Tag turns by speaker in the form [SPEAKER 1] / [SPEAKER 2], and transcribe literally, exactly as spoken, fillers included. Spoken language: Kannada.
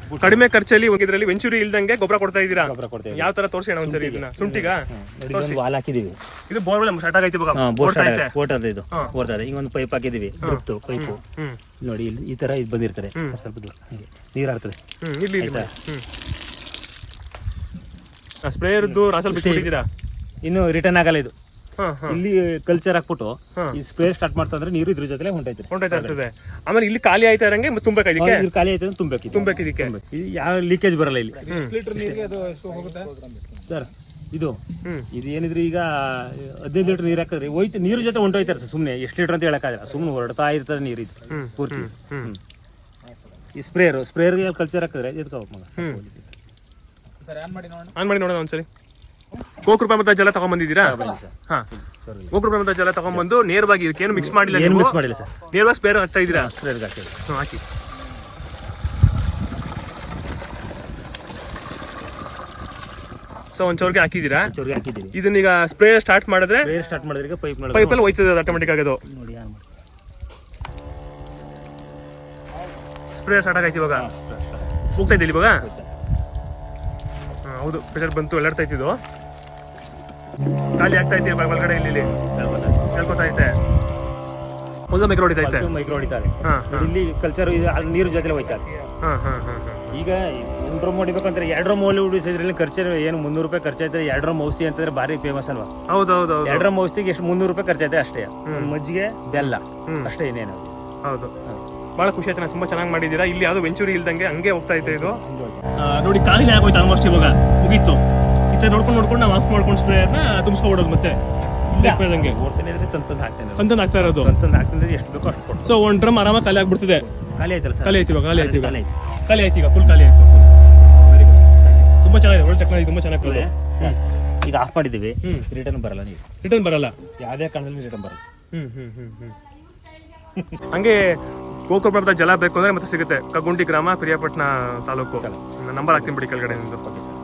[SPEAKER 1] ಕಡಿಮೆ ಖರ್ಚಲ್ಲಿ ಇದರಲ್ಲಿ ವೆಂಚುರಿ ಇಲ್ದಂಗೆ ಗೊಬ್ಬರ ಕೊಡ್ತಾ ಇದ್ದೀರಾ.
[SPEAKER 2] ಗೊಬ್ಬರ ಕೊಡ್ತೇವೆ.
[SPEAKER 1] ಯಾವ ತರ ತೋರಿಸಿ ಅಣ್ಣ ಒಂದ್ಸರಿ ಇದನ್ನ ಶುಂಠಿಗ
[SPEAKER 2] ವಾಲ್ ಹಾಕಿದೀವಿ.
[SPEAKER 1] ಇದು ಬೋರ್ವೆಲ್ ಸ್ಟಾರ್ಟ್ ಆಗೈತಿ ಇವಾಗ
[SPEAKER 2] ಓಡ್ತದೆ ಇದು ಓಡ್ತದೆ. ಈಗ ಒಂದು ಪೈಪ್ ಹಾಕಿದೀವಿ ಡ್ರಿಪ್ತು ಪೈಪು ನೋಡಿ ಇಲ್ಲಿ ಈ ತರ ಇದು ಬಂದಿರ್ತಾರೆ ಸ್ವಲ್ಪ ದೂರ ನೀರು ಹಾಕ್ತದೆ.
[SPEAKER 1] ಇಲ್ಲಿ ಸ್ಪ್ರೇಯರ್ದು ರಾಸಲ್ ಬಿಟ್ಟಿದ್ದೀರಾ
[SPEAKER 2] ಇನ್ನು ರಿಟರ್ನ್ ಆಗಲ್ಲ ಇದು. ಇಲ್ಲಿ ಕಲ್ಚರ್ ಹಾಕ್ಬಿಟ್ಟು ಈ ಸ್ಪ್ರೇ ಸ್ಟಾರ್ಟ್ ಮಾಡ್ತಾ ಅಂದ್ರೆ ನೀರು ಇದ್ರ ಜೊತೆ ಹೊಂಟೈತೆ
[SPEAKER 1] ಹೊಂಟೈತಾ ಇರ್ತದೆ. ಆಮೇಲೆ ಇಲ್ಲಿ ಖಾಲಿ ಆಯ್ತಾ ಇರಂಗೆ ತುಂಬಬೇಕು ಇದಕ್ಕೆ
[SPEAKER 2] ಖಾಲಿ ಆಯ್ತು ತುಂಬಬೇಕು
[SPEAKER 1] ತುಂಬಬೇಕು ಇದಕ್ಕೆ
[SPEAKER 2] ಯಾವ ಲೀಕೇಜ್ ಬರಲ್ಲ ಇಲ್ಲಿ ಸರ್. ಇದು ಇದು ಏನಿದ್ರೆ ಈಗ ಹದಿನೈದು ಲೀಟರ್ ನೀರು ಹಾಕಿದ್ರೆ ಹೋಯ್ತು ನೀರು ಜೊತೆ ಹೊಂಟೋಯ್ತಾರೆ ಸರ್. ಸುಮ್ಮನೆ ಎಷ್ಟು ಲೀಟರ್ ಅಂತ ಹೇಳಕ್ಕಾಗಲ್ಲ, ಸುಮ್ಮನೆ ಹೊರಡ್ತಾ ಇರ್ತದೆ ನೀರು ಇದು ಪೂರ್ತಿ. ಈ ಸ್ಪ್ರೇಯರ್ ಸ್ಪ್ರೇಯರ್ ಕಲ್ಚರ್ ಹಾಕಿದ್ರೆ ಎದ್ಕೋಬೇಕು ಮಗ.
[SPEAKER 1] ಆನ್ ಮಾಡಿ ನೋಡೋಣ ಒಂದ್ಸರಿ. ಗೋಕೃಪ ಮತ ಜಲ ತಗೊಂಡ್ಬಂದಿದ್ದೀರಾ? ಹಾ, ಗೋಕೃಪ ಮತ ಜಲ ತಗೊಂಡ್ಬಂದು ನೇರವಾಗಿ ಇದಕ್ಕೇನು ಮಿಕ್ಸ್ ಮಾಡಿಲ್ಲ,
[SPEAKER 2] ಏನು ಮಿಕ್ಸ್ ಮಾಡಿಲ್ಲ ಸರ್.
[SPEAKER 1] ನೇರವಾಗಿ ಸ್ಪ್ರೇಯರ್ ಹಾಕ್ತಾ ಇದ್ದೀರಾ?
[SPEAKER 2] ಸ್ಪ್ರೇಯರ್ ಹಾಕ್ತೀವಿ.
[SPEAKER 1] ಹ್ಞೂ ಹಾಕಿ. ಸೊ ಒಂದು ಚೌರ್ಗೆ ಹಾಕಿದ್ದೀರಾ?
[SPEAKER 2] ಚೌರ್ಗೆ ಹಾಕಿದ್ದೀವಿ.
[SPEAKER 1] ಇದನ್ನೀಗ ಸ್ಪ್ರೇಯರ್ ಸ್ಟಾರ್ಟ್ ಮಾಡಿದ್ರೆ
[SPEAKER 2] ಸ್ಪ್ರೇಯರ್ ಸ್ಟಾರ್ಟ್ ಮಾಡಿದ್ರೆ ಪೈಪ್
[SPEAKER 1] ಪೈಪಲ್ಲಿ ಹೋಯ್ತದೆ ಅದು ಆಟೋಮೆಟಿಕ್ ಆಗೋದು.
[SPEAKER 2] ನೋಡಿ
[SPEAKER 1] ಸ್ಪ್ರೇಯರ್ ಸ್ಟಾರ್ಟ್ ಆಗೈತಿ ಇವಾಗ. ಹೋಗ್ತಾ ಇದ್ದಿಲ್ಲ ಇವಾಗ? ಹೌದು, ಪ್ರೆಷರ್ ಬಂತು, ಎಲ್ಲಾಡ್ತಾ ಇತ್ತಿದ್ದು ಖಾಲಿ ಆಗ್ತಾ ಇತ್ತು ಒಳಗಡೆ. ಇಲ್ಲಿ ಹೇಳ್ಕೊತಾ ಐತೆ ಒಂದು ಮೈಕ್ರೋ ಹೊಡಿತಾ ಐತೆ
[SPEAKER 2] ಮೈಕ್ರೋ ಹೊಡಿತಾರೆ. ಇಲ್ಲಿ ಕಲ್ಚರ್ ನೀರು ಜೊತೆ ಹೋಯ್ತಾ. ಈಗ ಒಂದು ಡ್ರಮ್ ಹೊಡಿಬೇಕಂದ್ರೆ ಎರಡು ಡ್ರಮ್ ಓಲಿ ಉಡಿಸಿದ್ರಲ್ಲಿ ಖರ್ಚು ಏನು ಮುನ್ನೂರು ರೂಪಾಯಿ ಖರ್ಚಾಯ್ತದೆ. ಎರಡು ಡ್ರಮ್ ಔಷಧಿ ಅಂತಂದ್ರೆ ಭಾರಿ ಫೇಮಸ್ ಅಲ್ವಾ?
[SPEAKER 1] ಹೌದೌದು.
[SPEAKER 2] ಎರಡು ಡ್ರಮ್ ಔಷಧಿಗೆ ಎಷ್ಟು ಮುನ್ನೂರು ರೂಪಾಯಿ ಖರ್ಚಾಯ್ತದೆ ಅಷ್ಟೇ. ಮಜ್ಜಿಗೆ ಬೆಲ್ಲ ಅಷ್ಟೇ, ಇನ್ನೇನು.
[SPEAKER 1] ಹೌದು, ಬಹಳ ಖುಷಿ ಆಯ್ತು. ತುಂಬಾ ಚೆನ್ನಾಗಿ ಮಾಡಿದ್ದೀರಾ. ಇಲ್ಲಿ ಯಾವ್ದು ವೆಂಚುರಿ ಇಲ್ದಂಗೆ ಹಂಗೆ ಹೋಗ್ತಾ ಇತ್ತು ಇದು. ನೋಡಿ ಖಾಲಿನೇ ಆಗೋಯ್ತು ಆಲ್ಮೋಸ್ಟ್ ಇವಾಗ, ಮುಗೀತು. ಇತ್ತ ನೋಡ್ಕೊಂಡು ನೋಡ್ಕೊಂಡು ನಾವು ಆಫ್ ಮಾಡ್ಕೊಂಡು ಸ್ಪ್ರೇಯರ್ನ ತುಂಬಿಸ್ಕೊಬಿಡೋದು ಮತ್ತೆ ದಂಗೆ
[SPEAKER 2] ಓಡ್ತಾನೆ ಇದ್ರೆ ತಂತಂದು ಹಾಕ್ತಾನೆ
[SPEAKER 1] ತಂತಂದು ಹಾಕ್ತಾ ಇರೋದು.
[SPEAKER 2] ತಂತಂದು ಹಾಕ್ತಂದ್ರೆ ಎಷ್ಟು ಬೇಕೋ ಅಷ್ಟು ಕೊಟ್ಟು.
[SPEAKER 1] ಸೊ ಒಂದು ಡ್ರಮ್ ಆರಾಮಾಗಿ ಖಾಲಿ ಆಗ್ಬಿಡ್ತಿದೆ.
[SPEAKER 2] ಖಾಲಿ ಆಯ್ತಲ್ಲ ಸರ್?
[SPEAKER 1] ಖಾಲಿ ಆಯ್ತು ಇವಾಗ. ಖಾಲಿ ಆಯ್ತು ಇವಾಗ. ಖಾಲಿ ಆಯ್ತು ಈಗ, ಫುಲ್ ಖಾಲಿ ಆಯ್ತು. ವೆರಿ ಗುಡ್, ತುಂಬಾ ಚೆನ್ನಾಗಿದೆ. ಒಳ್ಳೆ ಟೆಕ್ನಾಲಜಿ, ತುಂಬಾ ಚೆನ್ನಾಗಿದೆ.
[SPEAKER 2] ಈಗ ಆಫ್ ಮಾಡಿದ್ದೀವಿ, ರಿಟರ್ನ್ ಬರಲ್ಲ ನೀರು.
[SPEAKER 1] ರಿಟರ್ನ್ ಬರಲ್ಲ
[SPEAKER 2] ಯಾವುದೇ ಕಾರಣದಲ್ಲಿ ರಿಟರ್ನ್ ಬರಲ್ಲ.
[SPEAKER 1] ಹ್ಮ್ ಹ್ಮ್ ಹ್ಮ್ ಹ್ಮ್ ಹಂಗೆ ಗೋಕೃಪ ಜಲ ಬೇಕು ಅಂದ್ರೆ ಮತ್ತೆ ಸಿಗುತ್ತೆ. ಕಗುಂಡಿ ಗ್ರಾಮ, ಪಿರಿಯಾಪಟ್ಟಣ ತಾಲೂಕು. ನಂಬರ್ ಹಾಕ್ತೀನಿ ಬಿಡಿ ಕೆಳಗಡೆ.